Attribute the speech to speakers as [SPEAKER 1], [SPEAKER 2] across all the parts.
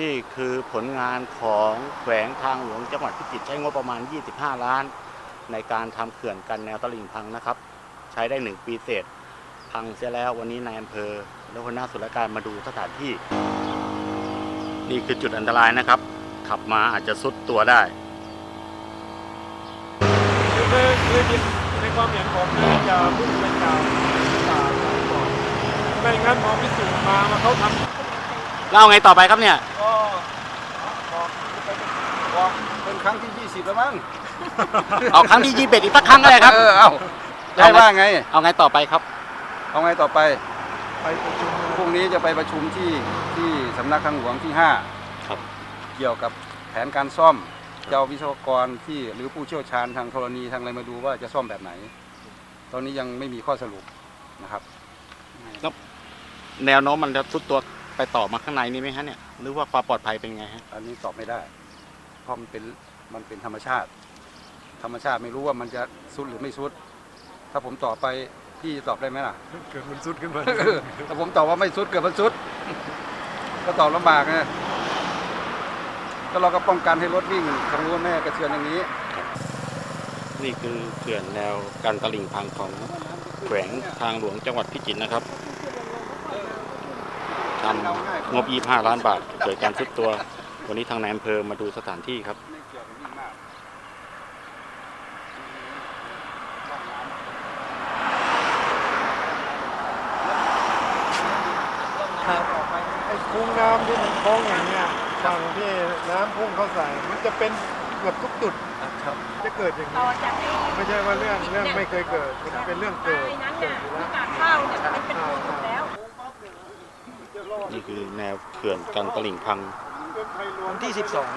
[SPEAKER 1] นี่คือผลงานของแขวงทางหลวงจังหวัดพิจิตรใช้งบประมาณ 25 ล้านในการทำเขื่อนกันแนวตลิ่งพังนะครับใช้ได้1 ปีเศษพังเสียแล้ววันนี้นายอำเภอและหัวหน้าส่วนราชการมาดูสถานที่นี่คือจุดอันตรายนะครับขับมาอาจจะซุดตัวได้
[SPEAKER 2] คือในความเห็นผมนะอย่าพึ่งไปกล่าวก่อนไม่งั้นพอพิสูจน์มาเขาทำ
[SPEAKER 1] เล่าไงต่อไปครับเนี่ย
[SPEAKER 2] ก็บอกเป็นครั้งที่20แล้วมั้ง
[SPEAKER 1] เอาครั้งที่21อีกสักครั้งก็ได้ครับ
[SPEAKER 2] เอาได้ว่าไง
[SPEAKER 1] เอาไงต่อไปครับ
[SPEAKER 2] เอาไงต่อไปประชุมพรุ่งนี้จะไปประชุมที่สำนักทางหลวงที่5
[SPEAKER 1] ครับ
[SPEAKER 2] เกี่ยวกับแผนการซ่อมเจ้าวิศวกรที่หรือผู้เชี่ยวชาญทางธรณีทางอะไรมาดูว่าจะซ่อมแบบไหนตอนนี้ยังไม่มีข้อสรุปนะครับ
[SPEAKER 1] แนวโน้มมันจะทุดตัวไปต่อมาข้างในนี่ไหมฮะเนี่ยหรือว่าความปลอดภัยเป็นไงฮะ
[SPEAKER 2] อันนี้ตอบไม่ได้เพราะมันเป็นธรรมชาติไม่รู้ว่ามันจะซุดหรือไม่ซุดถ้าผมตอบไปพี่ตอบได้ไหมล่ะเกิดมันซุดขึ้นมาถ้าผมตอบว่าไม่ซุดเกิดมันซุดก็ตอบลำบากนะก็เราก็ป้องกันให้รถวิ่งทางรั้วแม่กระเทือนอย่างนี้
[SPEAKER 1] นี่คือเขื่อนแนวกันตลิ่งพังของแขวงทางหลวงจังหวัดพิจิตรนะครับทำงบ 25 ล้านบาทเกิดการซุดตัววันนี้ทางนายอำเภอมาดูสถานที่ครับ
[SPEAKER 2] ไอ้คุ้งน้ำที่มันโค้งอย่างเนี้ยฝั่งที่น้ำพุ่งเข้าใส่มันจะเป็นเกือบทุกจุดจะเกิดอย่างนี้ไม่ใช่ว่าเรื่องไม่เคยเกิดมันเป็นเรื่องเกิดอยู่แล้ว
[SPEAKER 3] ข้าวเนี่ยมันเป็นหมดแล้ว
[SPEAKER 1] นี่คือแนวเขื่อนกันตลิ่งพัง
[SPEAKER 4] วันที่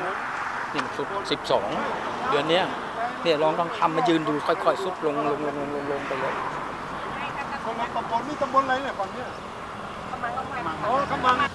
[SPEAKER 4] 12 เดือนนี้เนี่ยลองทำมายืนดูค่อยๆซุดลงไปเลย
[SPEAKER 2] คนละตำบลนี่ตำบลอะไรเนี่ยฝั่งเนี้ยอ๋อกำมัง